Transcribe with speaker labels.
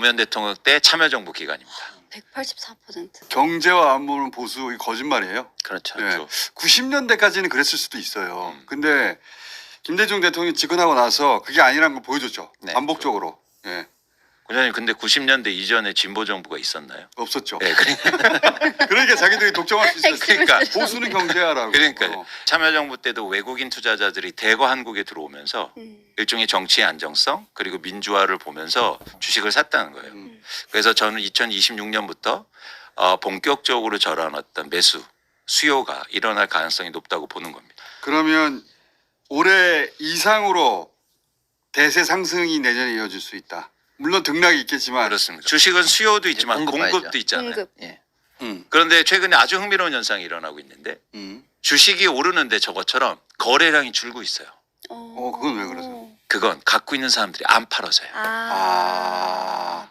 Speaker 1: 노무현 대통령 때 참여정부 기간입니다.
Speaker 2: 184%.
Speaker 3: 경제와 안보는 보수, 이 거짓말이에요.
Speaker 1: 그렇죠.
Speaker 3: 네. 90년대까지는 그랬을 수도 있어요. 근데 김대중 대통령이 집권하고 나서 그게 아니라는 걸 보여줬죠.
Speaker 1: 네,
Speaker 3: 반복적으로. 예.
Speaker 1: 군장님 근데 90년대 이전에 진보 정부가 있었나요?
Speaker 3: 없었죠.
Speaker 1: 네, 그러니까
Speaker 3: 그러니까 자기들이 독점할 수 있었어요.
Speaker 1: 그러니까.
Speaker 3: 보수는 경제하라고.
Speaker 1: 그러니까 참여정부 때도 외국인 투자자들이 대거 한국에 들어오면서 일종의 정치의 안정성 그리고 민주화를 보면서 주식을 샀다는 거예요. 그래서 저는 2026년부터 본격적으로 저런 어떤 매수 수요가 일어날 가능성이 높다고 보는 겁니다.
Speaker 3: 그러면 올해 이상으로 대세 상승이 내년에 이어질 수 있다. 물론 등락이 있겠지만.
Speaker 1: 그렇습니다. 주식은 수요도 있지만
Speaker 4: 공급하죠.
Speaker 1: 공급도 있잖아요.
Speaker 2: 공급.
Speaker 4: 예.
Speaker 1: 그런데 최근에 아주 흥미로운 현상이 일어나고 있는데 주식이 오르는데 저것처럼 거래량이 줄고 있어요.
Speaker 3: 그건 왜 그러세요?
Speaker 1: 그건 갖고 있는 사람들이 안 팔아서요.
Speaker 2: 아.